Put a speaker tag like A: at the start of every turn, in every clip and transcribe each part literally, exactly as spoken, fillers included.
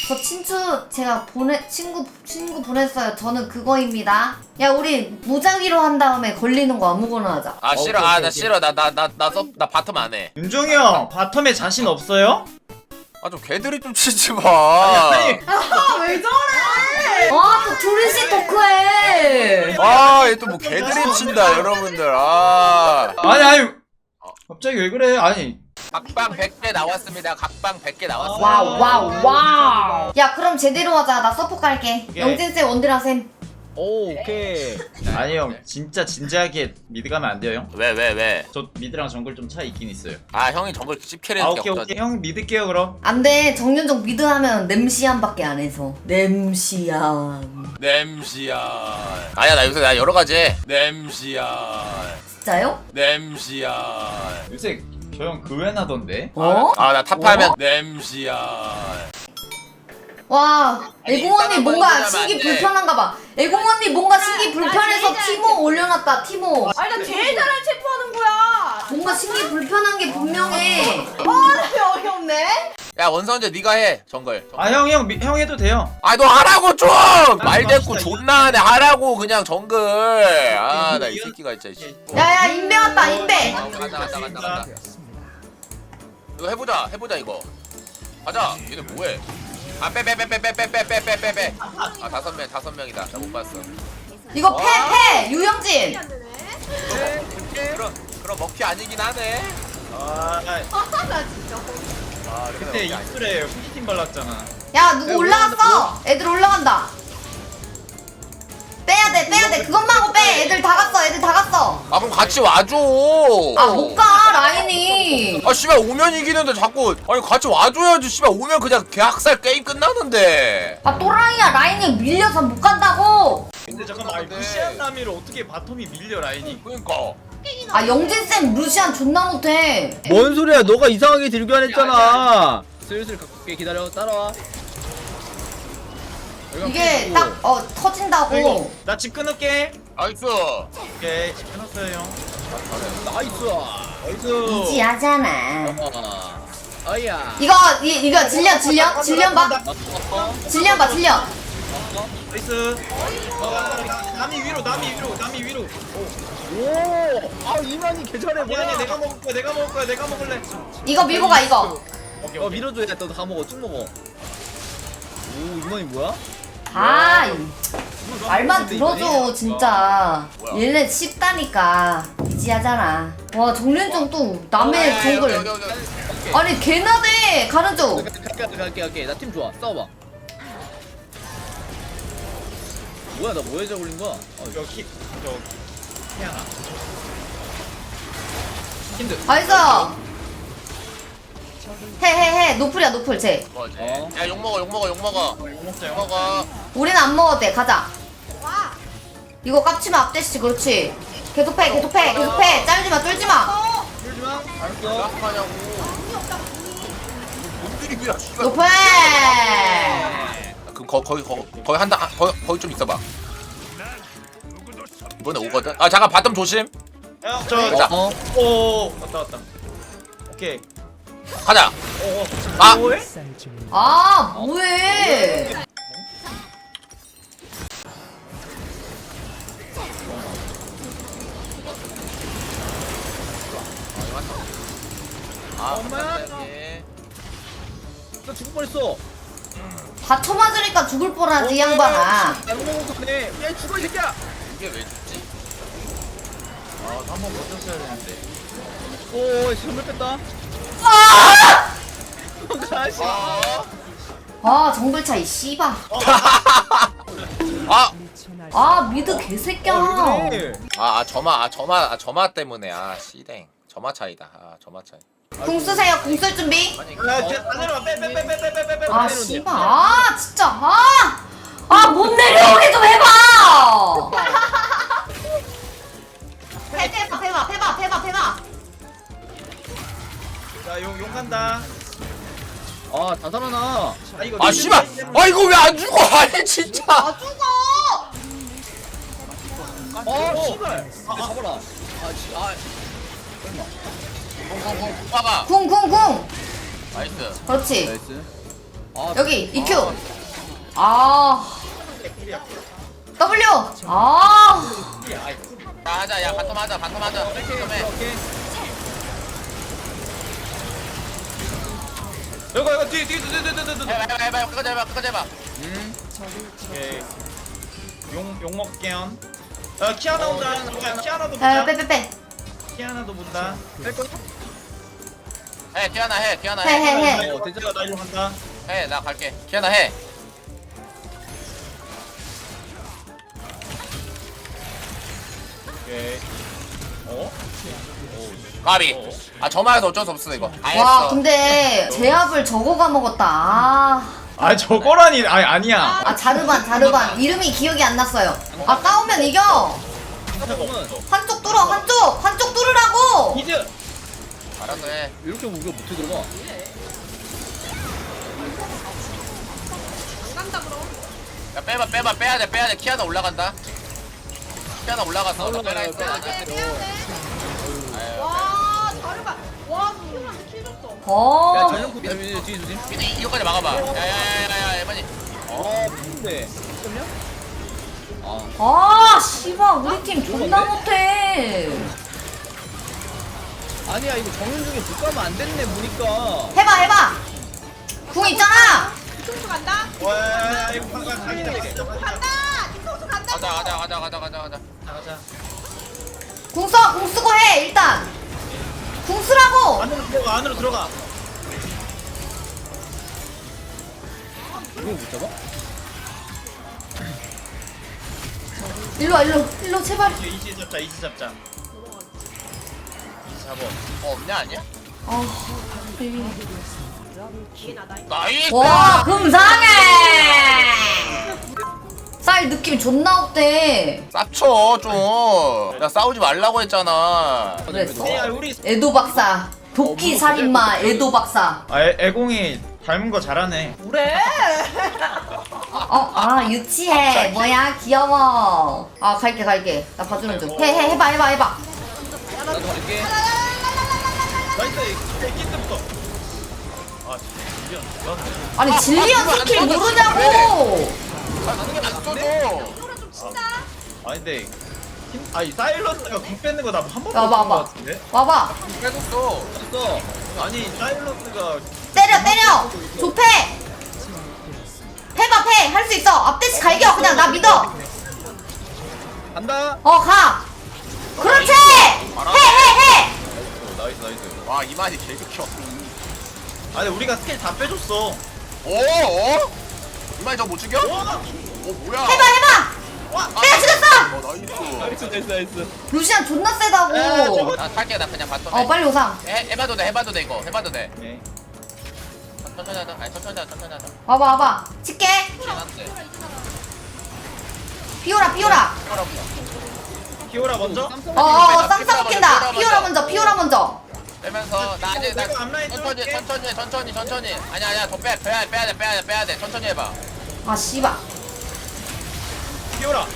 A: 저 친추 제가 보내 친구 친구 보냈어요. 저는 그거입니다. 야 우리 무작위로 한 다음에 걸리는 거 아무거나 하자.
B: 아 싫어. 아 나 싫어. 나 나 나 나 나 바텀 안 해.
C: 윤종이 형 바텀에 자신 없어요?
B: 아 좀 개들이 좀 치지 마.
C: 아니
D: 왜 저래?
A: 아또 둘이씩 토크해.
B: 아, 얘 또 뭐 개들이 친다, 여러분들. 아.
C: 아니 아니 갑자기 왜 그래? 아니
B: 각방 백 개 나왔습니다. 각방 백 개 나왔습니다.
A: 와우 와우 와우. 야 그럼 제대로 하자. 나 서포 갈게.
C: 오케이.
A: 영진 쌤 원딜하 쌤.
E: 오 오케이.
C: 아니 형 진짜 진지하게 미드 가면 안 돼요 형?
B: 왜, 왜, 왜?
C: 저 미드랑 정글 좀 차이 있긴 있어요.
B: 아, 형이 정글 씹캐리
C: 아
B: 해줄 게
C: 오케이
B: 없다.
C: 오케이 형 믿을게요 그럼.
A: 안돼 정윤정 미드 하면 냄시안밖에 안 해서. 냄시안.
B: 냄시야. 아야, 나 요새 나 여러 가지 해. 냄시야.
A: 진짜요?
B: 냄시야.
C: 요새 저 형 그웬하던데?
A: 어?
B: 아, 나 탑하면 냄시야.
A: 와 애공 언니
B: 이따가
A: 뭔가
B: 보여주면
A: 시기
B: 안 돼.
A: 불편한가 봐. 애공 언니 뭔가 시기 불편해서 티모 올려놨다 티모.
D: 아니 나 제일 잘한 체포하는 거야.
A: 뭔가 시기 불편한 게 분명해.
D: 아 어이없네.
B: 야, 원선제 네가 해. 정글.
C: 아 형 형 형 해도 돼요.
B: 아, 너 하라고 좀! 말 대꾸
C: 맙시다,
B: 존나 하네. 하라고 그냥 정글. 아, 나 이 새끼가 진짜. 씨.
A: 야야 인베 왔다 인베.
B: 아, 간다, 간다, 간다, 간다. 이거 해보자, 해보자 이거. 가자. 얘네 뭐해? 아, 빼, 빼, 빼, 빼, 빼, 빼, 빼, 빼, 빼, 빼, 빼. 아, 다섯 명, 다섯 명이다. 나 못 봤어.
A: 이거 패패 유영진.
B: 그럼, 그럼 먹튀 아니긴 하네.
C: 아
D: 아나 진짜.
B: 아,
C: 그때 입술에 후기팀 발랐잖아.
A: 야 누구 올라갔어? 애들 올라간다. 빼야 돼 빼야 돼 그것만 하고 빼. 애들 다 갔어 애들 다 갔어.
B: 아, 그럼 같이 와줘.
A: 아 못 가 라인이.
B: 아, 씨발 오면 이기는데 자꾸 아니 같이 와줘야지. 씨발 오면 그냥 개학살 게임 끝나는데.
A: 아 또라이야 라인이 밀려서 못 간다고.
C: 근데 잠깐만 아니, 무시한 남이로 어떻게 바텀이 밀려 라인이?
B: 그러니까.
A: 아 영진 쌤 루시안 존나 못해.
E: 뭔 소리야? 너가 이상하게 들교 안 했잖아. 슬슬 갖고 올게. 기다려. 따라와.
A: 이게 딱 어 터진다고.
C: 이거 나 집 끊을게.
B: 나이스.
C: 오케이 집 끊었어요 형.
E: 나이스.
C: 나이스.
A: 이지하잖아.
E: 어. 아야.
A: 이거 이, 이거 질련 질련 질련 봐. 질련 봐 질련.
C: 나이스. 남이 위로 남이 위로 남이 위로.
E: 오. 아 이만희 개잘해.
C: 아니
E: 뭐야?
C: 아니 내가 먹을 거야 내가 먹을 거야 내가 먹을래.
A: 이거 밀고 가 이거.
C: 오케이
E: 어
C: 오케이.
E: 밀어줘. 야, 너다 먹어. 쭉 먹어. 오 이만희 뭐야?
A: 아 이- 말만 들어줘 진짜. 얘네 쉽다니까. 이지하잖아. 와 정윤정 또 남의
B: 야, 여기,
A: 정글.
B: 여기, 여기, 여기.
A: 아니 개나대 가는 중.
E: 갈게 갈게 갈게 갈게. 나 팀 좋아. 싸워봐. 뭐야 나 뭐에 저걸린 거야? 어,
C: 저기 저 태양아. 힘들.
A: 나이스. 해해해 노플이야 노플 쟤.
B: 뭐지?
E: 어.
B: 야, 욕 먹어, 욕 먹어, 욕 먹어.
C: 먹자
B: 욕
C: 형.
B: 먹어.
A: 우리는 안 먹어도 돼 가자.
D: 와.
A: 이거 깝치면 앞대시 그렇지. 계속 패 계속 패 계속 패. 짤지마 쫄지마.
E: 풀지 마. 알았어.
B: 하냐고. 뭔 드립이야, 씨발.
A: 노플.
B: 그럼 거, 거기 거, 거기 한다. 아, 거기 거기 좀 있어봐. 이번에 오거든. 아, 잠깐 바텀 조심.
C: 형저
B: 자.
E: 어.
C: 오 왔다 왔다. 오케이.
B: 가자.
C: 오오.
B: 아.
C: 뭐해?
A: 아 뭐해.
B: 아,
E: 엄마.
B: 예.
E: 나 죽을 뻔했어.
A: 다 쳐맞으니까 죽을 뻔하지 이 양반아.
E: 안 먹었네. 야 죽어 이 새끼야.
B: 이게 왜 죽지?
C: 아 한번 버텼어야 되는데.
E: 오 선물 뺐다.
A: 아!
E: 가시.
B: 아.
A: 아 정글 차이 씨발.
B: 아.
A: 아 미드 개새끼야.
E: 어, 왜 그래?
B: 아, 아 점화, 아 점화, 아 점화 때문에 아 씨댕 점화 차이다. 아 점화 차이.
A: 궁 쓰세요 궁 쓸 준비.
B: 아니,
C: 야, 쟤 다 내려와. 빼, 빼, 빼, 빼, 빼, 빼, 빼.
A: 아 씨발 아 진짜 아아 못 내려오게 좀 해봐. 해봐 해봐 해봐 해봐 해봐.
C: 자, 용, 용 간다.
E: 아다 살아나.
C: 아, 이거
B: 아 씨발. 아 이거 왜 안 죽어? 아니 진짜.
A: 아 죽어.
E: 어 씨발. 내 잡아라. 아 씨. 아.
B: 봐봐.
A: 궁 궁 궁.
B: 나이스.
A: 그렇지.
E: 나이스. 아,
A: 여기 이큐. 아 W. 아
B: 자 하자 야 바텀 하자 바텀 하자
E: 오케이
B: 바텀 해
E: 오케이.
C: 이거 이거 뒤 뒤 뒤 뒤 뒤뒤
B: 해봐 해봐 해봐 끝까지 해봐 끝까지 해봐
E: 음.
C: 오케이. 용용 먹게요. 어 키아나 온다. 야, 키아나도
A: 에,
C: 보자.
A: 빼빼빼.
C: 키아나도 본다.
E: 할 거야?
B: 해 키아나 해 키아나
A: 해, 해, 해.
B: 해
C: 어 대지가 나 이거 간다.
B: 해 나 갈게 키아나 해
C: 오케이. 어?
B: 까비 아 저만해서 어쩔 수 없어 이거 다
A: 와
B: 했어
A: 근데 제압을 저거가 먹었다. 아,
C: 아 저거라니 아니 아니야.
A: 아 자르반 자르반 이름이 기억이 안 났어요. 아 싸우면 이겨.
E: 잠깐만.
A: 한쪽 뚫어 한쪽 한쪽 뚫으라고.
C: 이즈.
B: 알았어 해
E: 이렇게 하면 우리가 못해 들어가.
D: 간다 그럼.
B: 야 빼봐 빼봐 빼야돼 빼야돼 키아나 올라간다 키아나 올라갔어 나 빼라
E: 올라가요.
B: 했어
D: 빼야 돼 빼야 돼.
B: 아유,
D: 와 잘해봐. 와 수준한테 킬 줬어.
E: 야
A: 어.
E: 전용구 야 뒤에 뒤에 조심.
B: 근데 이- 이거까지 막아봐 야야야야야 에바니
E: 어 근데 잠깐만요. 아
A: 아 씨발 우리 팀 존나 못해.
E: 아니야 이거 정윤 중에 못 가면 안 됐네 보니까.
A: 해봐 해봐. 궁 있잖아.
D: 뒤통수 간다.
C: 와 이거 방금 가기다.
D: 간다. 뒤통수 간다.
B: 가자 가자 가자 가자 가자 가자
C: 가자.
A: 궁 써. 궁 쓰고 해 일단. 궁 쓰라고.
C: 안으로 들어가 안으로 들어가.
E: 이거 못 잡아?
A: 일로 와 일로 일로 제발.
C: 이제 이지 잡자 이지 잡자. 이지 잡어.
B: 어 없냐 아니야?
A: 어.
B: 나이스
A: 와 금상해. 쌀 느낌 존나 없대.
B: 쌉쳐 좀야 싸우지 말라고 했잖아
A: 그랬어?
C: 야 우리
A: 에도 박사. 도끼 살인마 에도 박사.
C: 아 애, 애공이 닮은 거 잘하네.
D: 그래.
A: 어, 아 유치해. 뭐야 귀여워. 아 갈게 갈게. 나 봐주는 중. 해 해 해봐 해봐 해봐.
E: 나도 갈게.
C: 나이스 애기때부터. 아 진짜 미안.
A: 아니 질리언 스킬 모르냐고.
B: 가는 게안 써줘
D: 좀 친다.
C: 아 근데 힘 아니 사일러스가 궁 뺏는 거 나 한 번도
A: 야,
C: 못
A: 봐봐.
C: 본거 같은데?
A: 와봐.
B: 빼줬어
E: 됐어.
C: 아니 사일러스가
A: 때려 때려. 좁해. 해봐 패. 할 수 있어. 앞대치 갈겨. 그냥 나 믿어.
E: 간다.
A: 어 가. 그렇지. 해 해 해.
C: 나이스 나이스.
B: 와 이만희 개극혀
C: 아니 우리가 스킬 다 빼줬어.
B: 오 어? 이만희 저거 못 죽여?
C: 와!
B: 어 뭐야
A: 해봐 해봐.
C: 와!
A: 내가 죽였어.
B: 어 나이스
E: 나이스 나이스 나이스.
A: 루시안 존나 세다고.
B: 나 탈게 나 그냥 봤어
A: 어 빨리 오상.
B: 해, 해봐도 돼 해봐도 돼 이거 해봐도 돼
C: 오케이.
B: 천천히 하자 아니 천천히 하자 천천히 하자
A: 와봐 와봐. 칠게.
B: 지났대
A: 피오라 피오라.
C: 키오라 먼저.
A: 어어 쌈 싸먹힌다. 피오라 먼저 피오라 먼저.
B: 빼면서 나 아직 나
C: 내가 앞라인
B: 천천히
C: 뚫을게.
B: 천천히 천천히 천천히 아니야 아니야 더 빼 빼야 돼 빼야 돼 빼야 돼 빼야 돼 천천히 해봐
A: 아 씨발.
C: 키오라.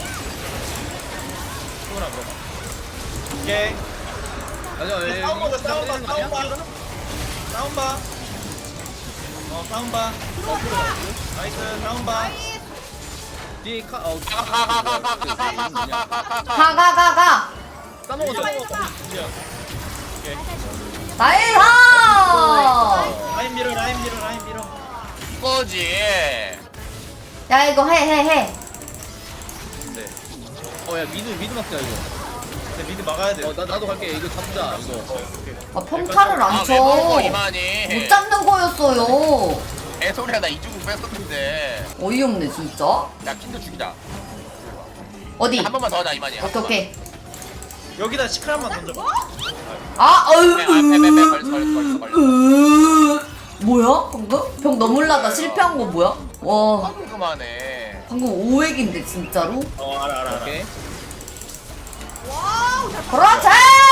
C: 키오라 물어봐. 오케이.
E: 맞아. 예,
C: 싸움 보자 싸움 봐
E: 때리는 거 아니야?
C: 싸움 봐. 싸움 봐. 어 싸움 봐. 나이스 싸움 봐.
E: 뒤에 카 어.
B: 가 가 가 가 가 가 가 가 가 가 가
A: 가 가 가 가.
E: 까먹어 까먹어.
A: 나이스.
C: 라인 밀어 라인 밀어 라인 밀어.
B: 이거지
A: 야 이거 해 해 해.
C: 네.
E: 어야 미드 미드 막자 이거.
C: 근데 미드 막아야 돼.
E: 어나 나도 갈게. 이거 잡자 이거.
C: 오케이.
A: 아 평타를 안
B: 아왜 먹어
A: 쳐.
B: 이만희
A: 못 잡는 거였어요.
B: 애소리야 나 이주국 뺐었는데
A: 어이없네 진짜.
B: 야 킨드 죽이자
A: 어디?
B: 한 번만 더 하자 이만희
A: 오케이 오케이.
C: 여기다 시크릿만 던져봐.
A: 아 어휴.
B: 빼빼빼 걸렸어 걸렸어 걸렸어 걸렸어
A: 으, 뭐야 방금? 병 너물라다 실패한 거 뭐야? 와
B: 그만해
A: 방금 오획인데 진짜로?
C: 어 알아 알아 알아.
E: 오케이.
D: 와우. 잘
A: 그렇지!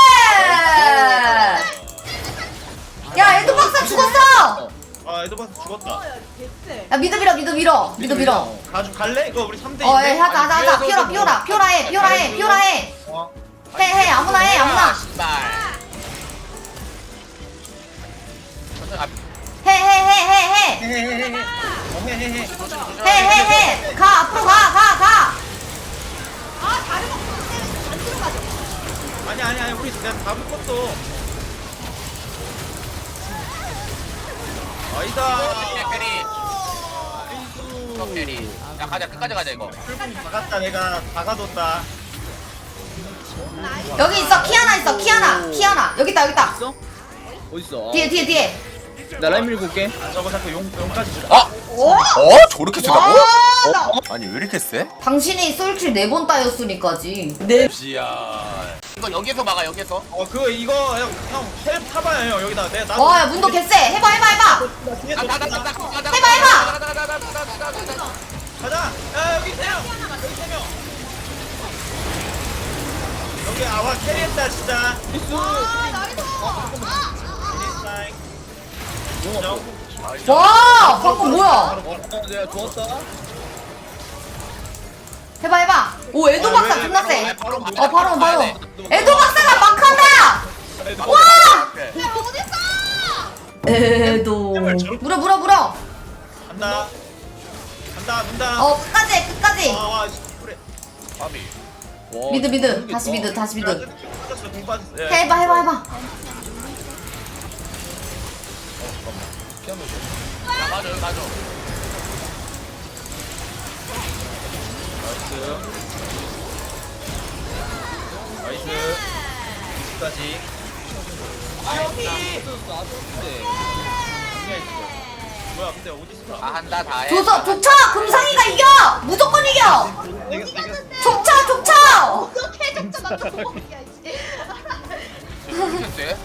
A: 야 에도 박사 죽었어!
C: 아 에드바스 죽었다.
D: 먹어야 됐대.
A: 야 미드 밀어 미드 밀어 미드 밀어.
C: 가주 갈래? 이거 우리 삼 대
A: 어 예,
C: 인데.
A: 하자 하자 하자. 피오라 피오라 피오라 해 피오라 해 피오라 해.
C: 어.
A: 해 해 아무나 해 아무나.
B: 씨발 천천히 아,
A: 해 해 해 해 해.
C: 헤헤헤헤. 어, 헤헤헤.
A: 해 해 해. 가 앞으로 가 가 가.
D: 아 다른 거 때문에 안 들어가죠.
C: 아니 아니 아니 우리 내가 다 묶었어. 아이다.
B: 캐리 top 캐리. 야 가자 끝까지 가자 이거.
C: 풀분 다 갔다 내가 다 가뒀다.
A: 여기 있어 키아나 있어 키아나 키아나 여기 있다 여기 있다.
E: 있어? 어딨어?
A: 뒤에 뒤에 뒤에.
E: 나 라인 밀고 올게.
C: 저거 자꾸 용 용까지 주.
B: 어?
A: 오?
B: 어? 저렇게 세다고?
A: 와, 나-
B: 아니 왜 이렇게 세?
A: 당신이 솔킬 네 번 따였으니까지. 네.
B: 지야. 이거 여기서 막아 여기서.
C: 어 그거 이거 형형 타봐요 형 여기다 내가 나.
A: 와, 야, 문도 개쎄. 해봐, 해봐, 해봐.
C: 뒤에 또
B: 가자 가자
C: 있다.
B: 가자 가자.
A: 해봐, 해봐.
B: 가자 가자 가자 가자 가자 가자.
C: 가자. 야 여기 세 명. 여기 세 명. 여기 아와 캐리했다 진짜.
D: 아 나이도. 아.
C: 캐리했다. 정.
A: 와, 방금 뭐야?
E: 어, 내가 좋았다.
A: 해봐, 해봐. 오, 에도 박사 존나 세.
B: 아, 바로
A: 어, 바로, 바로.
B: 네.
A: 에도 박사가 막 한다! 와!
D: 내가 어딨어?
A: 에도. 물어, 물어, 물어.
C: 간다. 간다 문다.
A: 어, 끝까지, 해, 끝까지.
C: 와와 그래.
B: 아비.
E: 와,
A: 미드, 미드.
E: 모르겠다.
A: 다시 미드, 다시 미드.
C: 빠졌어 공 빠졌어. 예.
A: 해봐, 해봐, 해봐.
B: 아 맞아 여기 맞아.
C: 나이스. 나이스. 까지. 아 여기. 뭐야 근데 어디 있어?
B: 다 한다 다 해.
A: 조서, 족쳐! 금상이가 이겨! 무조건 이겨!
C: 내가 내가
A: 족쳐, 족쳐!
D: 어떻게 적자 나 너무 이씨.
B: 이렇게 세?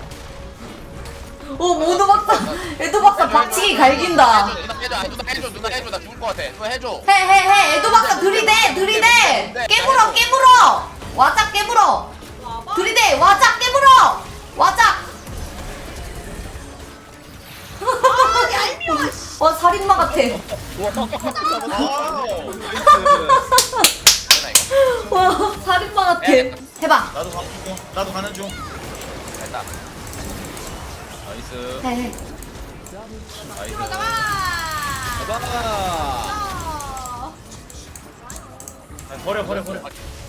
A: 오, 모두 박사. 에도 박사 박치기 갈긴다.
B: 누나 해줘 아, 누나 해줘 누나 해줘 나 죽을 것 같아. 누나 해줘.
A: 해, 해, 해. 에도 박사 들이대, 들이대. 깨물어, 깨물어. 와짝 깨물어. 들이대, 와짝 깨물어. 와짝.
D: 아 얄미워. 씨.
A: 와, 살인마 같아.
C: 와우.
B: 누나 이거.
A: 와, 살인마 같아. 해봐.
C: 나도 가는 중. 나도 가는 중.
B: 됐다.
C: 나이스.
A: 해, 해.
C: 나이스.
D: 들어가봐.
E: 가봐.
D: 어.
C: 아, 버려 버려 버려.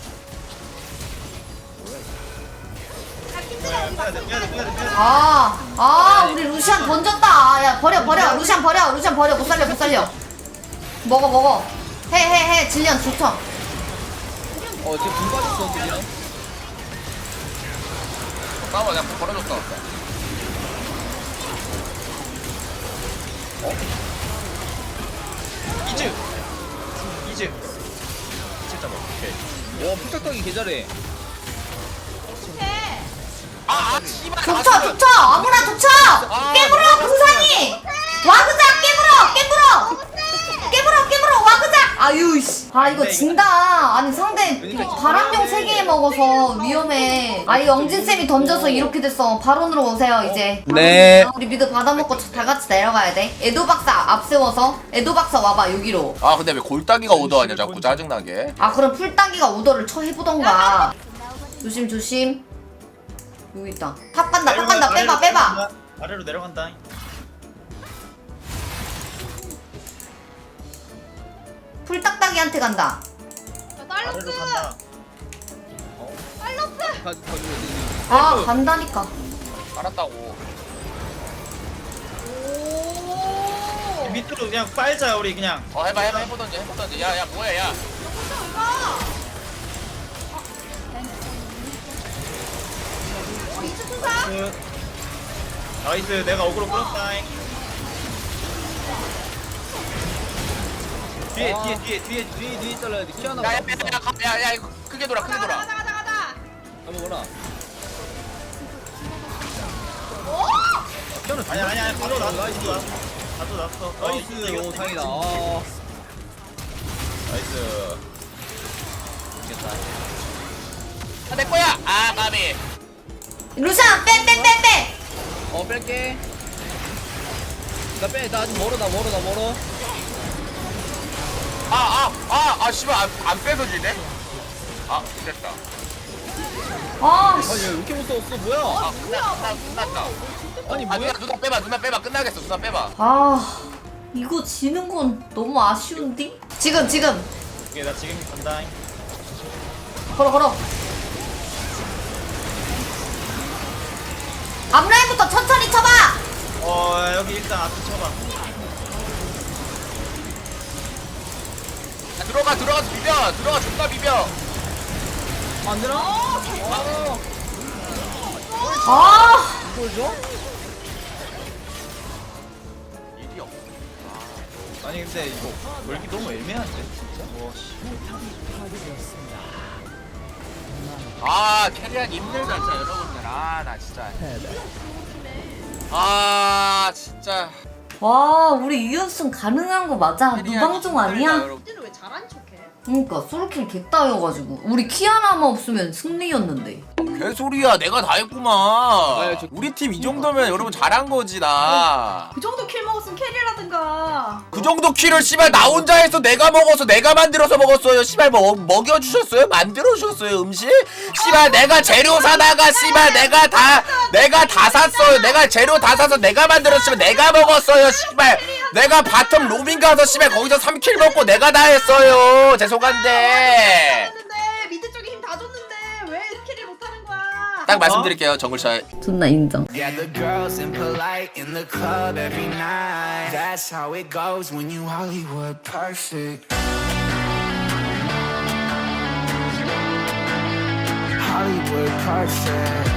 D: 아 힘들어 우리
C: 빼야 돼 빼야 돼 빼야 돼 빼야 돼.
A: 아, 아, 우리 루시안 던졌다. 야, 버려, 버려. 루시안 버려. 루시안 버려. 못 살려, 못 살려. 먹어, 먹어. 해, 해, 해. 질리안 좋죠.
E: 어, 지금 분 빠졌어, 그냥.
B: 싸워 내가 걸어줬어.
C: 이즈. 이즈. 이즈 잡아. 오케이.
E: 와, 풀딱딱이 개 잘해.
D: 해.
B: 아아 씨발.
A: 족쳐, 족쳐. 아무나 족쳐. 깨물어, 금상이. 와그작 깨물어, 깨물어. 깨물어, 깨물어, 와그작. 아유, 씨. 아, 이거 진다. 아니, 상대 바람용 세 개 먹어서 위험해. 아, 이 영진쌤이 던져서 이렇게 됐어. 바론으로 오세요, 이제.
E: 네.
A: 우리 미드 받아먹고 다 같이 내려가야 돼. 에도 박사 앞세워서. 에도 박사 와봐, 여기로.
B: 아 근데 왜 골따기가 오더하냐 자꾸 짜증나게.
A: 아, 그럼 풀따기가 오더를 쳐 해보던가. 조심, 조심. 여기 있다. 탑 간다, 탑 간다. 빼봐, 빼봐.
C: 아래로 내려간다.
A: 풀딱딱이한테 간다.
D: 자
C: 아래로
D: 달로스.
C: 간다.
D: 달로스.
E: 가, 가지고 있는.
A: 아, 간다니까.
B: 알았다고.
D: 오.
C: 밑으로 그냥 빨자 우리 그냥.
B: 어 해봐 해봐 해보던지 해보던지. 야야 뭐야 야.
D: 어 이즈 투사.
C: 그, 나이스 내가 어그로 끌었다. 뒤에
E: 아.
C: 뒤에 뒤에 뒤에
E: 뒤에, 뒤에 잘라야 돼. 키아나.
B: 야야야야 이거 크게 돌아 크게
D: 가자
B: 돌아.
D: 가자 가자 가자.
E: 한번 보라.
D: 오.
E: 키아나
C: 아니 아니 아니 바로 났어.
E: 나이스.
C: 바로 났어.
E: 나이스. 오, 다행이다. 아,
C: 나이스.
E: 이겼다.
B: 아, 내 거야. 아 까비.
A: 루시안, 빼, 빼, 빼, 빼.
E: 어, 뺄게. 나 빼, 나 아직 멀어, 나 멀어, 나 멀어.
B: 아아아아 씨발 안, 안 빼서 지네. 아 됐다.
A: 아,
E: 아니,
A: 씨.
E: 왜 이렇게 못 싸웠어? 뭐야?
B: 아 끝났다 끝났다.
E: 아니,
B: 아
E: 뭐야?
B: 누나 누나 빼봐 누나 빼봐 끝나겠어 누나 빼봐.
A: 아. 이거 지는 건 너무 아쉬운데? 지금 지금
C: 오케이 나 지금 간다.
A: 걸어 걸어. 앞라인부터 천천히 쳐봐.
C: 어 여기 일단 앞에 쳐봐.
B: 야, 들어가 들어가서 비벼 들어가 존나 비벼.
E: 안 되나?
A: 아
E: 이걸 줘?
B: 일이 없어.
C: 아니 근데 이거 걸기 너무 애매한데 진짜. 와 씨.
B: 아 캐리하기 힘들다 진짜 여러분들. 아 나 진짜. 아 진짜.
A: 와 우리 이연승 가능한 거 맞아?
B: 캐리하기
A: 무방종
B: 힘들다,
A: 아니야?
B: 여러분.
D: 쟤는 왜 잘한 척해?
A: 그러니까 솔킬 개따여가지고 우리 키아나만 없으면 승리였는데.
B: 개소리야 내가 다 했구만.
E: 아, 저-
B: 우리 팀 이 정도면 여러분 잘한 거지 나.
D: 그 정도 킬 먹었으면 캐리라든가.
B: 그 정도 키를 씨발 나 혼자 해서 내가 먹어서 내가 만들어서 먹었어요. 씨발 뭐 먹여주셨어요? 만들어주셨어요 음식? 씨발 내가 재료 사다가 씨발 내가 다 내가 다 샀어요. 내가 재료 다 사서 내가 만들었으면 내가 먹었어요. 씨발 내가 바텀 로밍 가서 씨발 거기서 삼 킬 먹고 내가 다 했어요. 죄송한데
D: 했는데 밑에 쪽에 힘 다 줬는데 왜 캐리 못하는 거야?
B: 딱 말씀드릴게요 정글차.
A: 존나 인정.
F: Yeah, the girls impolite in the club every night. That's how it goes when you Hollywood perfect. Hollywood perfect.